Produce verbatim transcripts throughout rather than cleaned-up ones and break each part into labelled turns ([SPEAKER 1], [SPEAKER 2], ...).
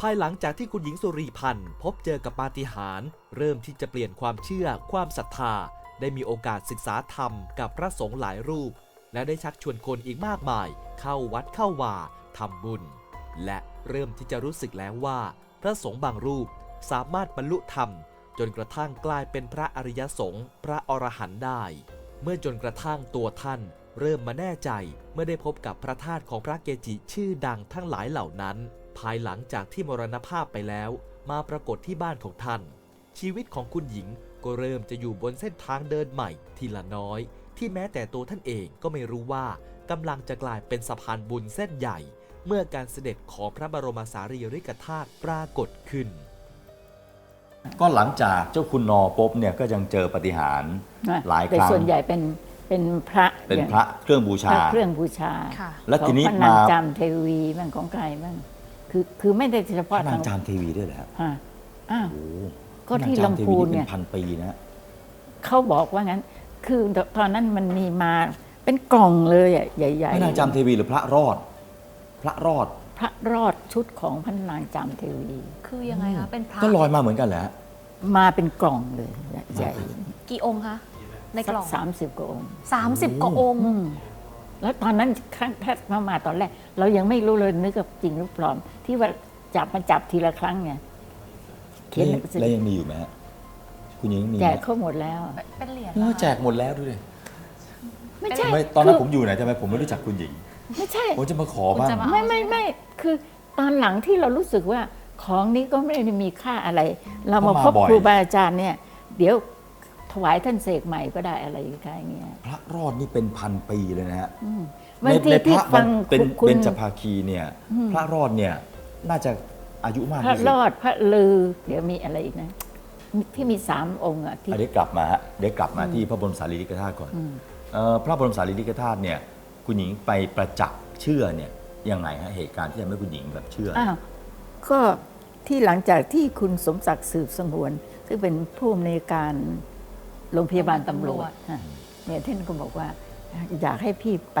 [SPEAKER 1] ายหลังจากที่คุณหญิงสุรีพันธ์พบเจอกับปาฏิหาริย์เริ่มที่จะเปลี่ยนความเชื่อความศรัทธาได้มีโอกาสศึกษาธรรมกับพระสงฆ์หลายรูปและได้ชักชวนคนอีกมากมายเข้าวัดเข้าวาทำบุญและเริ่มที่จะรู้สึกแล้วว่าพระสงฆ์บางรูปสามารถบรรลุธรรมจนกระทั่งกลายเป็นพระอริยสงฆ์พระอรหันต์ได้เมื่อจนกระทั่งตัวท่านเริ่มมาแน่ใจเมื่อได้พบกับพระธาตุของพระเกจิชื่อดังทั้งหลายเหล่านั้นภายหลังจากที่มรณภาพไปแล้วมาปรากฏที่บ้านของท่านชีวิตของคุณหญิงก็เริ่มจะอยู่บนเส้นทางเดินใหม่ทีละน้อยที่แม้แต่ตัวท่านเองก็ไม่รู้ว่ากำลังจะกลายเป็นสะพานบุญเส้นใหญ่เมื่อการเสด็จของพระบรมสารีริกธาตุปรากฏขึ้น
[SPEAKER 2] ก็หลังจากเจ้าคุณนอปุ๊บเนี่ยก็ยังเจอปาฏิหาริย์หลายครั้ง
[SPEAKER 3] แต่ส่วนใหญ่เป็นเป็นพระ
[SPEAKER 2] เป็นพระเครื่องบูชา
[SPEAKER 3] เครื่องบูชา
[SPEAKER 2] แล้วทีนี้
[SPEAKER 3] มาจามเทวีบ้างของใครบ้างคือคือไม่ได้เฉพาะ
[SPEAKER 2] นางจามเทวีด้วยเหรอครับ
[SPEAKER 3] อ้าวก็ที่ลำพูนเนี่ย
[SPEAKER 2] พันปีนะ
[SPEAKER 3] เขาบอกว่างั้นคือตอนนั้นมันมีมาเป็นกล่องเลยอ่ะใหญ่ๆ
[SPEAKER 2] พระนางจามเทวีหรือพระรอดพระรอด
[SPEAKER 3] พระรอดชุดของพระนางจามเทวี
[SPEAKER 4] คือยังไงคะเป็นพระ
[SPEAKER 2] ก็ลอยมาเหมือนกันแหละ
[SPEAKER 3] มาเป็นกล่องเลยใหญ่
[SPEAKER 4] กี่องค์คะในกล่อง
[SPEAKER 3] สามสิบกว่าองค์
[SPEAKER 4] สามสิบกว่าองค์
[SPEAKER 3] แล้วตอนนั้นครั้งแรกมาตอนแรกเรายังไม่รู้เลยนึกว่าจริงหรือปลอมที่ว่าจับมาจับทีละครั้งเนี่ย
[SPEAKER 2] เขียนแล้วยังมีอยู่ไหมคุณหญิงมี
[SPEAKER 3] แจกเขาหมดแล้ว
[SPEAKER 4] เป็นเหรียญ
[SPEAKER 2] แจกหมดแล้วด้วย
[SPEAKER 3] ไม่ใช่
[SPEAKER 2] ตอนนั้นผมอยู่ไหนทำไมผมไม่รู้จักคุณหญิง
[SPEAKER 3] ไม่ใช่
[SPEAKER 2] ผมจะมาขอบ้าง
[SPEAKER 3] ไม่ไม่ไม่คือตอนหลังที่เรารู้สึกว่าของนี้ก็ไม่ได้มีค่าอะไรเรามาพบครูบาอาจารย์เนี่ยเดี๋ยวถวายท่านเสกใหม่ก็ได้อะไรอย่างเงี้ย
[SPEAKER 2] พระรอดนี่เป็นพันปีเลยนะฮะ
[SPEAKER 3] บางทีที่ฟัง
[SPEAKER 2] เป็นเบญจภาคีเนี่ยพระรอดเนี่ยน่าจะอายุมาก
[SPEAKER 3] พระรอดพระลือเดี๋ยวมีอะไรอีกนะที่มีสามองค์อ่ะที่
[SPEAKER 2] เดี๋ยวกลับมาฮะเดี๋ยวกลับมาที่พระบรมสารีริกธาตุก่อนพระบรมสารีริกธาตุเนี่ยคุณหญิงไปประจักษ์เชื่อเนี่ยยังไงฮะเหตุการณ์ที่ทำให้คุณหญิงแบบเชื่อ
[SPEAKER 3] อ้าวก็ที่หลังจากที่คุณสมศักดิ์สืบสงวนซึ่งเป็นผู้อำนวยการโรงพยาบาลตำรวจเนี่ยท่านก็บอกว่าอยากให้พี่ไป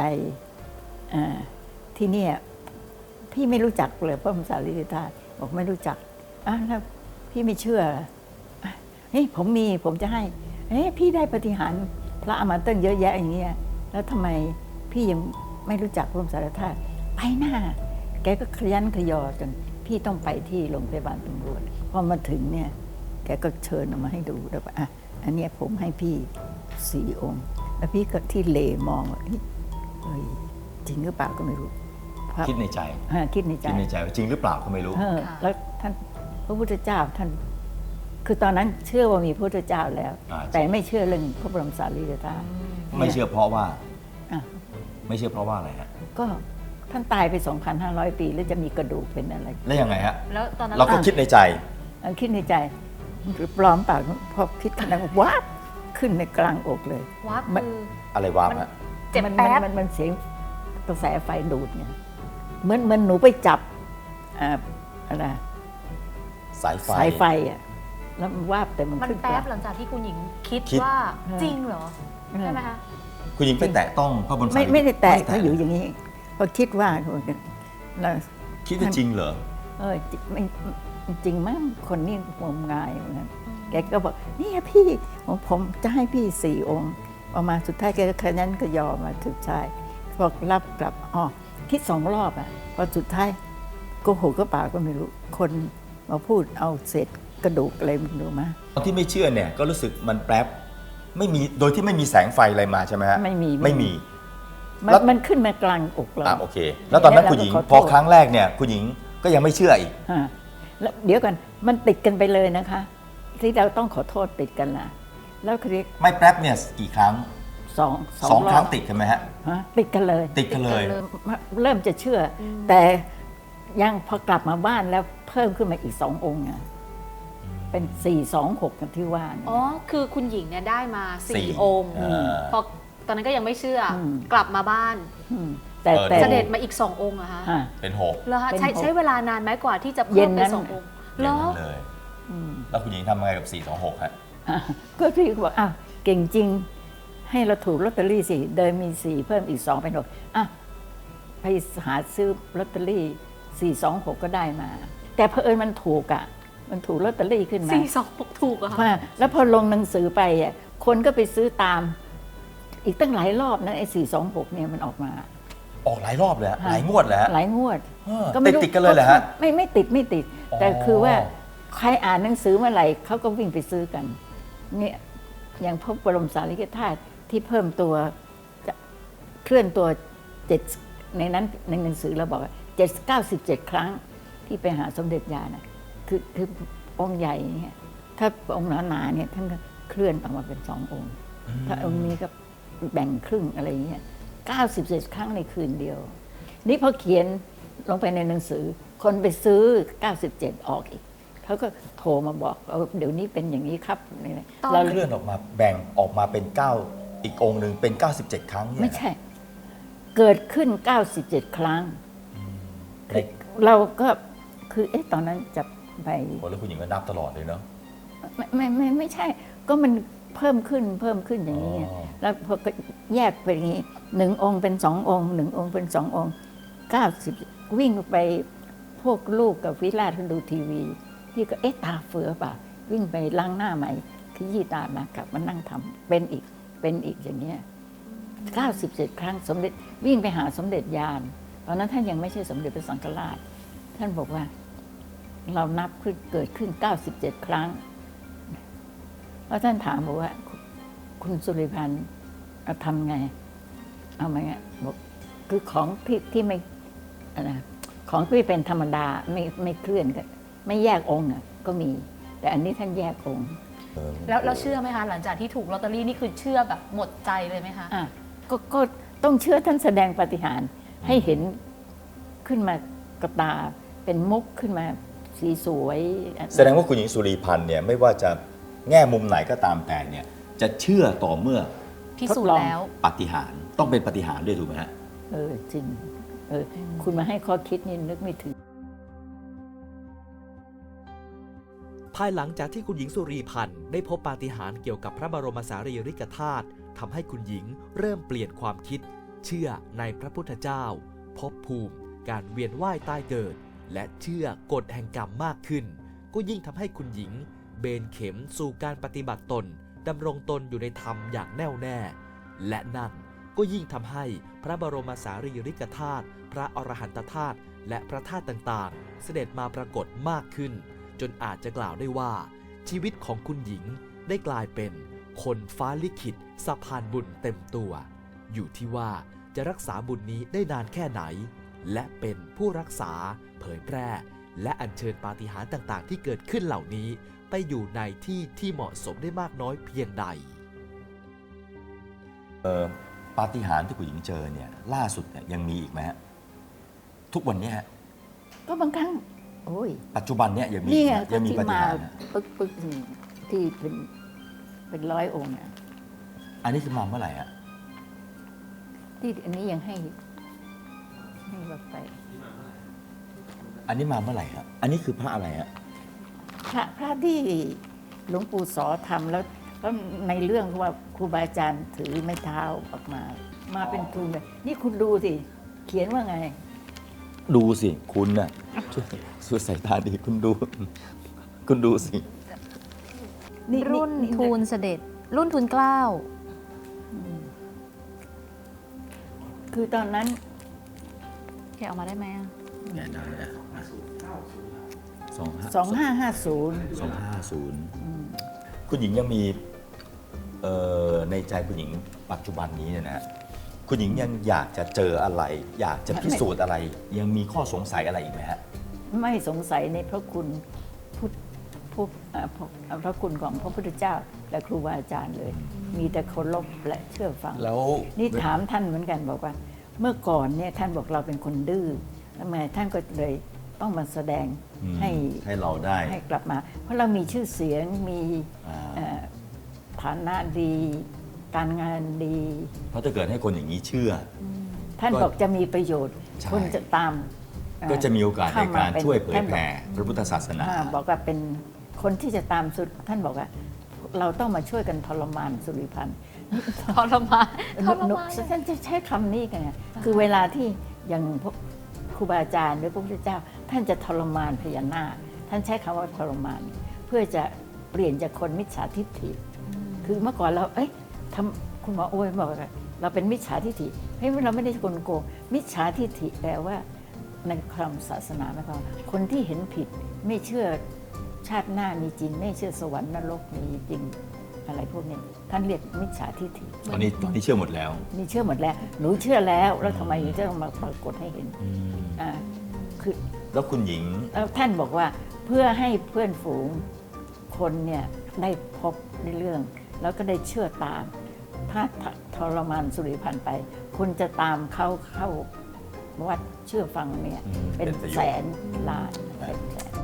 [SPEAKER 3] ที่นี่พี่ไม่รู้จักเลยพระบรมสารีริกธาตุบอกไม่รู้จักอ่ะแล้วพี่ไม่เชื่อเฮ้ยผมมีผมจะให้เฮ้ยพี่ได้ปาฏิหาริย์พระอมาตั้งเยอะแยะอย่างเงี้ยแล้วทำไมพี่ยังไม่รู้จักพระบรมสารีริกธาตุไปหน้าแกก็ขยันขยอจนพี่ต้องไปที่โรงพยาบาลตำรวจพอมาถึงเนี่ยแกก็เชิญออกมาให้ดูแล้วว่าอ่ะอันนี้ผมให้พี่สี่องค์แล้วพี่ก็ที่เลมองว่าเฮ้ยจริงหรือเปล่าก็ไม่รู้
[SPEAKER 2] คิดในใจ
[SPEAKER 3] คิดในใจ
[SPEAKER 2] คิดในใจว่าจริงหรือเปล่าก็ไม่รู้
[SPEAKER 3] แล้วท่านพระพุทธเจ้าท่านคือตอนนั้นเชื่อว่ามีพระพุทธเจ้าแล้วแต่ไม่เชื่อเรื่องพระบรมสารีริกธาตุ
[SPEAKER 2] ไม่เชื่อเพราะว่าไม่เชื่อเพราะว่าอะไรฮะ
[SPEAKER 3] ก็ท่านตายไป สองพันห้าร้อย ปีแล้วจะมีกระดูกเป็นอะไร
[SPEAKER 2] แล้วยังไงฮะ
[SPEAKER 4] แล้วตอนนั้น
[SPEAKER 2] เราก็คิดในใจ
[SPEAKER 3] คิดในใจหรือปลอมเปล่าพอคิดขนาดว้าขึ้นในกลางอกเลย
[SPEAKER 4] ว้าคือ
[SPEAKER 2] อะไรว้าฮะ
[SPEAKER 4] เจ็บแป๊บ
[SPEAKER 3] มันมันเสียงกระแสไฟดูดเนี่ยเหมือนมันหนูไปจับอะไร
[SPEAKER 2] สายไฟ
[SPEAKER 3] สายไฟอ่ะแล้วมันวาบแต่มัน
[SPEAKER 4] ขึ้นแป๊บหลังจากที่คุณหญิงคิดว่าจริงเหรอใช่ไหมคะ
[SPEAKER 2] คุณหญิงไปแตะต้องพระบรมสารีริกธาตุ
[SPEAKER 3] ไม่ได้แตะเขาอยู่อย่างนี้พอคิดว่าเรา
[SPEAKER 2] คิดว่าจริงเหรอ
[SPEAKER 3] เออไม่จริงมั้งคนนี้งมงายเหมือนกันแกก็บอกนี่พี่ผมผมจะให้พี่สี่องค์ออกมาสุดท้ายแกก็ขยันก็ยอมมาถึงชายบอกรับกลับอ๋อคิดสองรอบอ่ะพอสุดท้ายโกหกก็เปล่าก็ไม่รู้คนมาพูดเอาเศษกระดูกอะไรมันดูมา
[SPEAKER 2] ตอนที่ไม่เชื่อเนี่ยก็รู้สึกมันแป๊บไม่มีโดยที่ไม่มีแสงไฟอะไรมาใช่ไหมฮะ
[SPEAKER 3] ไม่มี
[SPEAKER 2] ไม่มี
[SPEAKER 3] มันขึ้นมากลางอกเรา
[SPEAKER 2] อ่าโอเคแล้วตอนนั้นคุณหญิงพอครั้งแรกเนี่ยคุณหญิงก็ยังไม่เชื่ออีก
[SPEAKER 3] แล้วเดี๋ยวกันมันติดกันไปเลยนะคะที่เราต้องขอโทษติดกันนะแล้วคือ
[SPEAKER 2] ไม่แป๊บเนี่ยกี่ครั้ง
[SPEAKER 3] สอง
[SPEAKER 2] สองครั้งติดกันไหมฮะ
[SPEAKER 3] ติดกันเลย
[SPEAKER 2] ติดกันเลย
[SPEAKER 3] เริ่มจะเชื่อแต่ยังพอกลับมาบ้านแล้วเพิ่มขึ้นมาอีกสององค์เป็นสี่สองหกกันที่ว่า
[SPEAKER 4] อ๋อคือคุณหญิงเนี่ยได้มาสี่องค์พอตอนนั้นก็ยังไม่เชื่อกลับมาบ้านแต่เสด็จมาอีกสององค์อะคะ
[SPEAKER 2] เป็นหก
[SPEAKER 4] แล้วใช้ใช้เวลานานไหมกว่าที่จะเพิ่มเป็นสององค์
[SPEAKER 2] แล้วแล้วคุณหญิงทำยังไงกับสี่สองหกฮะ
[SPEAKER 3] ก็ที่บอกอ้าวเก่งจริงให้เราถูกลอตเตอรี่สิเดินมีสี่เพิ่มอีกสองเป็นหกอ่ะไปหาซื้อลอตเตอรี่สี่สองหกก็ได้มาแต่เผอิญมันถูกอ่ะมันถูกลอตเตอรี่ขึ้นมา
[SPEAKER 4] สี่สองหกถูกอะค่ะ
[SPEAKER 3] ว่าแล้วพอลงหนังสือไปอ่ะคนก็ไปซื้อตาม อีกตั้งหลายรอบนะไอ้สี่สองหกเนี่ยมันออกมา
[SPEAKER 2] ออกหลายรอบเลยฮะ
[SPEAKER 3] ค่ะ
[SPEAKER 2] หลายงวดแล้ว
[SPEAKER 3] หลายงวด
[SPEAKER 2] ติดติดๆกันเลยเหรอฮะ
[SPEAKER 3] ไม่ไม่ติดไม่ติด
[SPEAKER 2] อ๋อ
[SPEAKER 3] แต่คือว่าใครอ่านหนังสือเมื่อไหร่เขาก็วิ่งไปซื้อกันเนี่ยอย่างพระบรมสารีริกธาตุที่เพิ่มตัวจะเคลื่อนตัวเจ็ดในนั้นในหนังสือเราบอกว่าเจ็ดเก้าสิบเจ็ดครั้งที่ไปหาสมเด็จยานะคือคือองค์ใหญ่เนี่ยถ้าองค์หนาๆเนี่ยท่านก็เคลื่อนออกมาเป็นสององค์ ถ้าองค์นี้ก็แบ่งครึ่งอะไรอย่างเงี้ยเก้าสิบเจ็ดครั้งในคืนเดียว นี่พอเขียนลงไปในหนังสือ คนไปซื้อเก้าสิบเจ็ดออกอีกเขาก็โทรมาบอกเออเดี๋ยวนี้เป็นอย่างนี้ครับนี่นะ
[SPEAKER 4] ตอน
[SPEAKER 3] เรา
[SPEAKER 2] เคลื่อนออกมาแบ่งออกมาเป็นเก้าอีกองค์หนึ่งเป็นเก้าสิบเจ็ดครั้งเนี่ย
[SPEAKER 3] ไม่ใช่ เกิดขึ้นเก้าสิบเจ็ดครั้ง
[SPEAKER 2] ใน
[SPEAKER 3] เราก็คือเอ๊ะตอนนั้นจะไป
[SPEAKER 2] โอ้แล้วคุณหญิงก็นับตลอดเลยเนาะ
[SPEAKER 3] ไม่ไม่ไม่ไม่ใช่ ก็มันเพิ่มขึ้นเพิ่มขึ้นอย่างนี้ไง
[SPEAKER 2] อ๋อ
[SPEAKER 3] แล้วพอก็แยกไปอย่างนี้หนึ่งองค์เป็นสององค์หนึ่งองค์เป็นสององค์เก้าสิบวิ่งไปพวกลูกกับวิราชเขาดูทีวีพี่ก็เอ๊ะตาเฟือเปล่าวิ่งไปล้างหน้าใหม่ขยี้ตามากลับมานั่งทำเป็นอีกเป็นอีกอย่างเงี้ยเก้าสิบเจ็ดครั้งสมเด็จวิ่งไปหาสมเด็จยานตอนนั้นท่านยังไม่ใช่สมเด็จพระสังฆราช ท่านบอกว่า เรานับขึ้นเกิดขึ้นเก้าสิบเจ็ดครั้งแล้วท่านถามบอกว่า คุณสุริพันธ์เอาทำไง เอาไหมอ่ะบอกคือของที่ที่ไม่อะไรนะของที่เป็นธรรมดาไม่ไม่เคลื่อนกันไม่แยกองค์อ่ะก็มี แต่อันนี้ท่านแยกองค์
[SPEAKER 2] เออ
[SPEAKER 4] แล้วแล้วเชื่อไหมคะ หลังจากที่ถูกลอตเตอรี่นี่คือเชื่อแบบหมดใจเลยไหมคะ
[SPEAKER 3] อ่ะก็ก็ต้องเชื่อท่านแสดงปาฏิหาริย์ให้เห็นขึ้นมากระตาเป็นมุกขึ้นมาสีสวย
[SPEAKER 2] แสดงว่าคุณหญิงสุรีพันธ์เนี่ยไม่ว่าจะแง่มุมไหนก็ตามแต่เนี่ยจะเชื่อต่อเมื่อ
[SPEAKER 4] พิสูจน์แล้ว
[SPEAKER 2] ปาฏิหาริย์ต้องเป็นปาฏิหาริย์ด้วยถูกไหมฮะ
[SPEAKER 3] เออจริงเออคุณมาให้ข้อคิดนี่นึกไม่ถึง
[SPEAKER 1] ภายหลังจากที่คุณหญิงสุรีพันธ์ได้พบปาฏิหาริย์เกี่ยวกับพระบรมสารีริกธาตุทำให้คุณหญิงเริ่มเปลี่ยนความคิด เชื่อในพระพุทธเจ้าภพภูมิ การเวียนว่ายตายเกิด และเชื่อกฎแห่งกรรมมากขึ้น ก็ยิ่งทำให้คุณหญิง เบนเข็มสู่การปฏิบัติตนดำรงตนอยู่ในธรรมอย่างแน่วแน่ และนั่นก็ยิ่งทำให้พระบรมสารีริกธาตุพระอรหันตธาตุและพระธาตุต่างๆ เสด็จมาปรากฏมากขึ้น จนอาจจะกล่าวได้ว่า ชีวิตของคุณหญิงได้กลายเป็นคนฟ้าลิขิตสะพานบุญเต็มตัว อยู่ที่ว่าจะรักษาบุญนี้ได้นานแค่ไหน และเป็นผู้รักษาเผยแพร่ และอัญเชิญปาฏิหาริย์ต่างๆ ที่เกิดขึ้นเหล่านี้ไปอยู่ในที่ที่เหมาะสมได้มากน้อยเพียงใด
[SPEAKER 2] เอ่อปาฏิหาริย์ที่คุณหญิงเจอเนี่ยล่าสุดเนี่ยยังมีอีกไหมฮะทุกวันเนี้ฮะ
[SPEAKER 3] ก็บางครั้งโอ้ย
[SPEAKER 2] ปัจจุบันเนี่ยยังมี
[SPEAKER 3] นี่ไง
[SPEAKER 2] ยังมี
[SPEAKER 3] ที่
[SPEAKER 2] ปาฏิ
[SPEAKER 3] มา
[SPEAKER 2] หาริย์นะ
[SPEAKER 3] ปึ๊กปึ๊กนี่ที่เป็นเป็นร้อยองค์อ่ะ
[SPEAKER 2] อันนี้คือมาเมื่อไหร่ฮะ
[SPEAKER 3] ที่อันนี้ยังให้ให้เราไป
[SPEAKER 2] อันนี้มาเมื่อไหร่ฮะอันนี้คือพระอะไรฮะ
[SPEAKER 3] พระพระที่หลวงปู่สอทำแล้วแล้วในเรื่องว่าครูบาอาจารย์ถือไม้เท้าออกมา มาเป็นทุนเลยนี่คุณดูสิ เขียนว่าไง
[SPEAKER 2] ดูสิคุณน่ะช่วยช่วยสายตาดีคุณดู คุณดูสิ
[SPEAKER 3] นี่
[SPEAKER 4] รุ่น
[SPEAKER 3] นี่
[SPEAKER 4] ทูลเสด็จ รุ่นทูลเกล้า
[SPEAKER 3] คือตอนนั้น
[SPEAKER 4] แกะออกมาได้ไหมอะ
[SPEAKER 2] แน่นอนนะสองห้า
[SPEAKER 3] สองห้าห้าศูนย์
[SPEAKER 2] สองห้าศูนย์คุณหญิงยังมีเอ่อในใจคุณหญิงปัจจุบันนี้เนี่ยนะ คุณหญิงยังอยากจะเจออะไร อยากจะพิสูจน์อะไร ยังมีข้อสงสัยอะไรอีกไหมฮะ
[SPEAKER 3] ไม่สงสัยในพระคุณพุทธพุทธเอ่อพระพระคุณของพระพุทธเจ้า และครูบาอาจารย์เลย มีแต่เคารพและเชื่อฟัง
[SPEAKER 2] แล้ว
[SPEAKER 3] นี่ถามท่านเหมือนกันบอกว่า เมื่อก่อนเนี่ยท่านบอกเราเป็นคนดื้อทำไมท่านก็เลยต้องมาแสดง
[SPEAKER 2] อืม
[SPEAKER 3] ให้
[SPEAKER 2] ให้เราได้
[SPEAKER 3] ให้กลับมา เพราะเรามีชื่อเสียงมี
[SPEAKER 2] อ่า
[SPEAKER 3] เอ่อฐานะดี การงานดี
[SPEAKER 2] เพราะถ้าเกิดให้คนอย่างนี้เชื่อ
[SPEAKER 3] ท่าน
[SPEAKER 2] ก็
[SPEAKER 3] บอกจะมีประโยชน์
[SPEAKER 2] ใช่
[SPEAKER 3] คนจะตามเอ่อ
[SPEAKER 2] ก็จะมีโอกาสใน
[SPEAKER 3] เข้
[SPEAKER 2] การ
[SPEAKER 3] เป็น
[SPEAKER 2] ช่วยเผย
[SPEAKER 3] ท่าน
[SPEAKER 2] แผ่พระพุทธศาสนา
[SPEAKER 3] อ่าบอกว่าเป็นคนที่จะตามสุดท่านบอกว่า เราต้องมาช่วยกันทรมานสุริพันธ์
[SPEAKER 4] ทรมานทร
[SPEAKER 3] หนู
[SPEAKER 4] มาน
[SPEAKER 3] ฉันจะใช้คำนี้กันไงคือเวลาที่อย่างพวกครูบาอาจารย์หรือพระพุทธเจ้าท่านจะทรมานพญานาคท่านใช้คำว่าทรมาน เพื่อจะเปลี่ยนจากคนมิจฉาทิฏฐิคือเมื่อก่อนเราเอ้ยทำคุณหมอโอ้ยบอกว่าเราเป็นมิจฉาทิฏฐิเฮ้ยเราไม่ได้กลโกงมิจฉาทิฏฐิแปลว่าในคำศาสนาหมายความว่าคนที่เห็นผิดไม่เชื่อชาติหน้ามีจริง ไม่เชื่อสวรรค์นรกมีจริงอะไรพวกนี้ท่านเรียกมิจฉาทิฏฐิ
[SPEAKER 2] ตอนนี้ตอนนี้เชื่อหมดแล้ว
[SPEAKER 3] นี่เชื่อหมดแล้วหนูเชื่อแล้วแล้วทำไมหนูจะต้องมาปรากฏให้เห็นอ่าคือ
[SPEAKER 2] แล้วคุณหญิง
[SPEAKER 3] แล้วท่านบอกว่าเพื่อให้เพื่อนฝูงคนเนี่ยได้พบในเรื่อง แล้วก็ได้เชื่อตาม ถ้าทรมานสุริพันธ์ไป คุณจะตามเขาเข้าวัดเชื่อฟังเนี่ย
[SPEAKER 2] อืม
[SPEAKER 3] เป็น
[SPEAKER 2] เป็นประโยชน์
[SPEAKER 3] แสนล้านเป็นแสน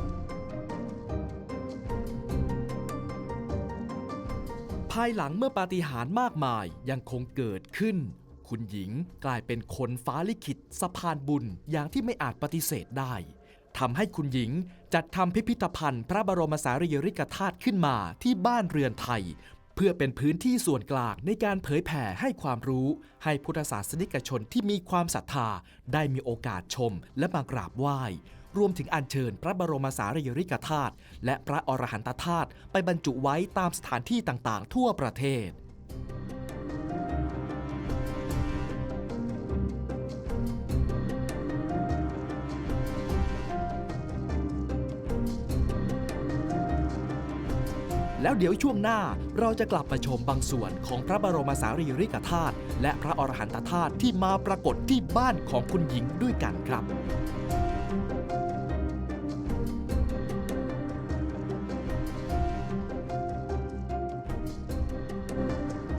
[SPEAKER 1] ภายหลังเมื่อปาฏิหาริย์มากมายยังคงเกิดขึ้น คุณหญิงกลายเป็นคนฟ้าลิขิตสะพานบุญอย่างที่ไม่อาจปฏิเสธได้ทำให้คุณหญิงจัดทำพิพิธภัณฑ์พระบรมสารีริกธาตุขึ้นมาที่บ้านเรือนไทย เพื่อเป็นพื้นที่ส่วนกลางในการเผยแผ่ให้ความรู้ให้พุทธศาสนิกชนที่มีความศรัทธาได้มีโอกาสชมและมากราบไหว้รวมถึงอัญเชิญพระบรมสารีริกธาตุและพระอรหันตธาตุไปบรรจุไว้ตามสถานที่ต่างๆ ทั่วประเทศ แล้วเดี๋ยวช่วงหน้าเราจะกลับมาชมบางส่วนของพระบรมสารีริกธาตุและพระอรหันตธาตุที่มาปรากฏที่บ้านของคุณหญิงด้วยกันครับ